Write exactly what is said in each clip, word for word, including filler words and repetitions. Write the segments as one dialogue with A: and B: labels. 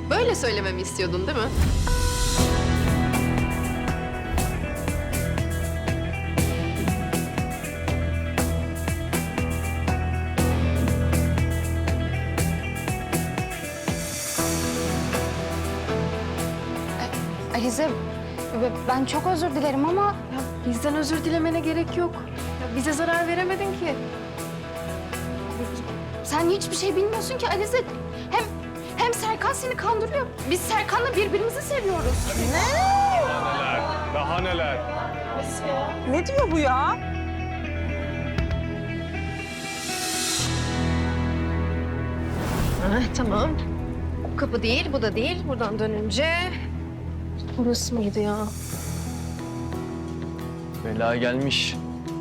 A: Böyle söylememi istiyordun değil mi?
B: Alize, ben çok özür dilerim ama...
A: Ya bizden özür dilemene gerek yok. Ya bize zarar veremedin ki.
B: Sen hiçbir şey bilmiyorsun ki Alize. Hem hem Serkan seni kandırıyor. Biz Serkan'la birbirimizi seviyoruz.
C: Neler, daha neler.
D: Ne diyor bu ya?
A: Ha, tamam. Bu kapı değil, bu da değil. Buradan dönünce... Burası mıydı ya?
E: Bela gelmiş.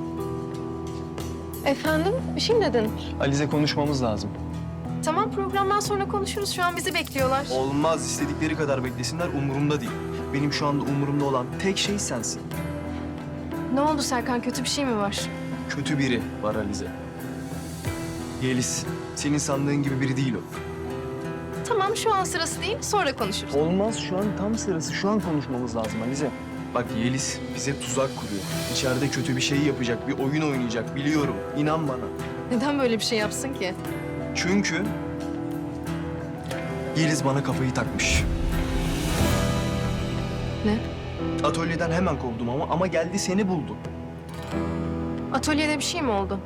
A: Efendim? Bir şey mi dedin?
E: Alize konuşmamız lazım.
A: Tamam, programdan sonra konuşuruz. Şu an bizi bekliyorlar.
F: Olmaz, istedikleri kadar beklesinler, umurumda değil. Benim şu anda umurumda olan tek şey sensin.
A: Ne oldu Serkan? Kötü bir şey mi var?
F: Kötü biri var Alize. Yeliz, senin sandığın gibi biri değil o.
A: Tamam, şu an sırası değil. Sonra konuşuruz.
E: Olmaz, şu an tam sırası. Şu an konuşmamız lazım Alize.
F: Bak Yeliz bize tuzak kuruyor. İçeride kötü bir şey yapacak, bir oyun oynayacak biliyorum. İnan bana.
A: Neden böyle bir şey yapsın ki?
F: Çünkü Yeliz bana kafayı takmış.
A: Ne?
F: Atölyeden hemen kovdum ama ama geldi seni buldu.
A: Atölyede bir şey mi oldu?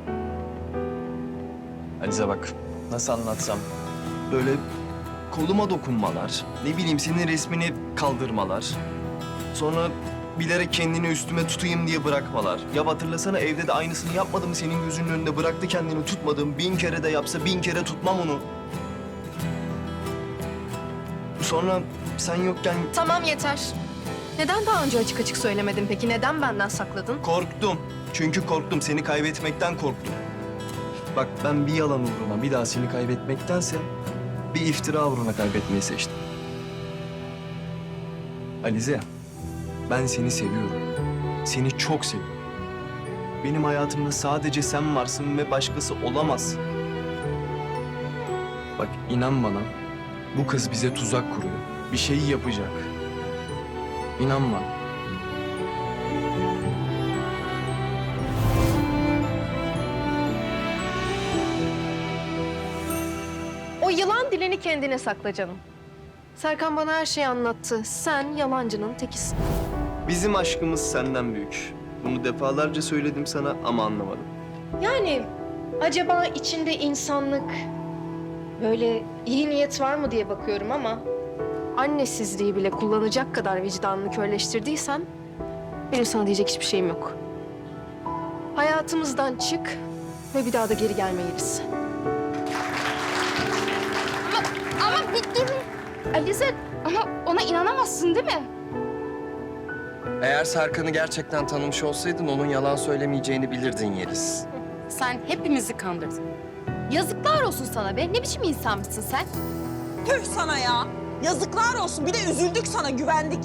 E: Alize bak, nasıl anlatsam.
F: Böyle koluma dokunmalar, ne bileyim senin resmini kaldırmalar. Sonra bilerek kendini üstüme tutayım diye bırakmalar. Ya hatırlasana evde de aynısını yapmadı mı senin gözünün önünde bıraktı kendini tutmadım. Bin kere de yapsa bin kere tutmam onu. Sonra sen yokken
A: Tamam, yeter. Neden daha önce açık açık söylemedin peki? Neden benden sakladın?
F: korktum. Çünkü korktum, seni kaybetmekten korktum. Bak ben bir yalan uğruna bir daha seni kaybetmektense bir iftira uğruna kaybetmeyi seçtim. Alize, ben seni seviyorum. Seni çok seviyorum. Benim hayatımda sadece sen varsın ve başkası olamaz. Bak inan bana, bu kız bize tuzak kuruyor. Bir şey yapacak. İnan bana.
A: O yılan dilini kendine sakla canım. Serkan bana her şeyi anlattı. Sen yalancının tekisin.
F: Bizim aşkımız senden büyük. Bunu defalarca söyledim sana ama anlamadın.
A: Yani acaba içinde insanlık, böyle iyi niyet var mı diye bakıyorum ama... annesizliği bile kullanacak kadar vicdanını körleştirdiysen... benim sana diyecek hiçbir şeyim yok. Hayatımızdan çık ve bir daha da geri gelmeyiz.
B: Ama bir durun. Alize, ama ona inanamazsın değil mi?
G: Eğer Serkan'ı gerçekten tanımış olsaydın onun yalan söylemeyeceğini bilirdin Yeliz.
B: Sen hepimizi kandırdın. Yazıklar olsun sana be. Ne biçim insan mısın sen?
D: Tüh sana ya. Yazıklar olsun. Bir de üzüldük sana, güvendik.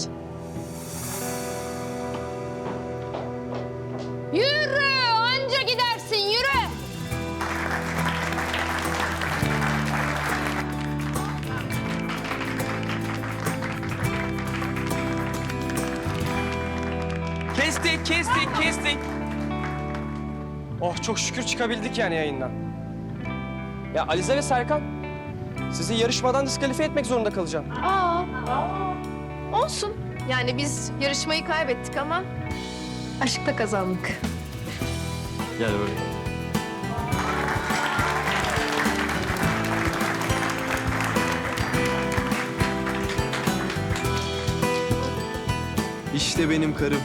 B: Yürü! Anca gidersin, yürü!
H: Kestik, kestik, kestik. Oh çok şükür çıkabildik yani yayından. Ya Alize ve Serkan, sizi yarışmadan diskalifiye etmek zorunda kalacağım.
A: Aa, olsun. Yani biz yarışmayı kaybettik ama aşkta kazandık.
E: Gel buraya.
F: İşte benim karım.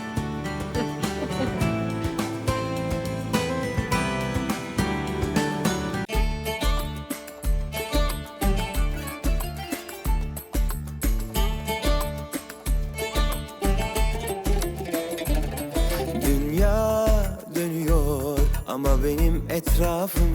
I: Dünya dönüyor ama benim etrafım